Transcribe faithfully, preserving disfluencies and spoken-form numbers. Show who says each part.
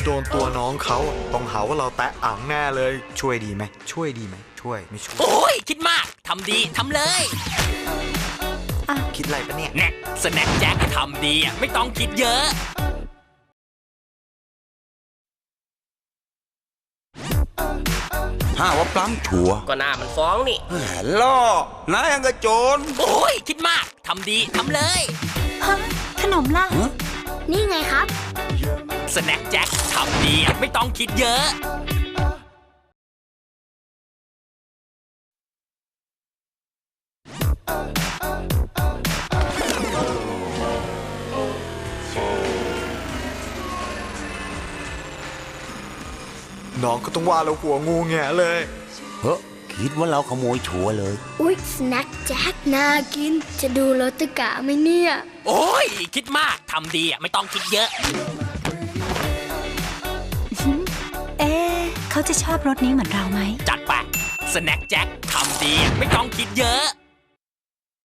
Speaker 1: ดนตัวน้องเขาต้องหาว่าเราแตะอ่างแน่เลยช่วยดีไหมช่วยดีไหมช่วยไม่ช่วย
Speaker 2: โอ้ยคิดมากทำดีทำเลย
Speaker 1: คิดอะไรปะเนี่ย
Speaker 2: แน่สแน็คแจ็คทำดีไม่ต้องคิดเยอะ
Speaker 3: ห้าว่าปล้ำชัว
Speaker 4: ก็หน้ามันฟ้องนี่
Speaker 3: แหมล่อนายังกระโจน
Speaker 2: โอ้ยคิดมากทำดีทำเลย
Speaker 5: ขนมล่ะ
Speaker 6: นี่ไงครับ
Speaker 2: สแน็คแจ็คทำดีไม่ต้องคิดเยอะ
Speaker 1: น้องก็ต้องว่าเราหัวงูแงเลย
Speaker 3: เฮ้คิดว่าเราขโมยชัวเลย
Speaker 6: อุ๊ยสแน็คแจ็คน่ากินจะดูรสตะกะไหมเนี่ย
Speaker 2: โอ้ยคิดมากทำดีไม่ต้องคิดเยอะ
Speaker 5: เอ๊ะเขาจะชอบรสนี้เหมือนเราไหม
Speaker 2: จัดไปสแน็คแจ็คทำดีไม่ต้องคิดเยอะ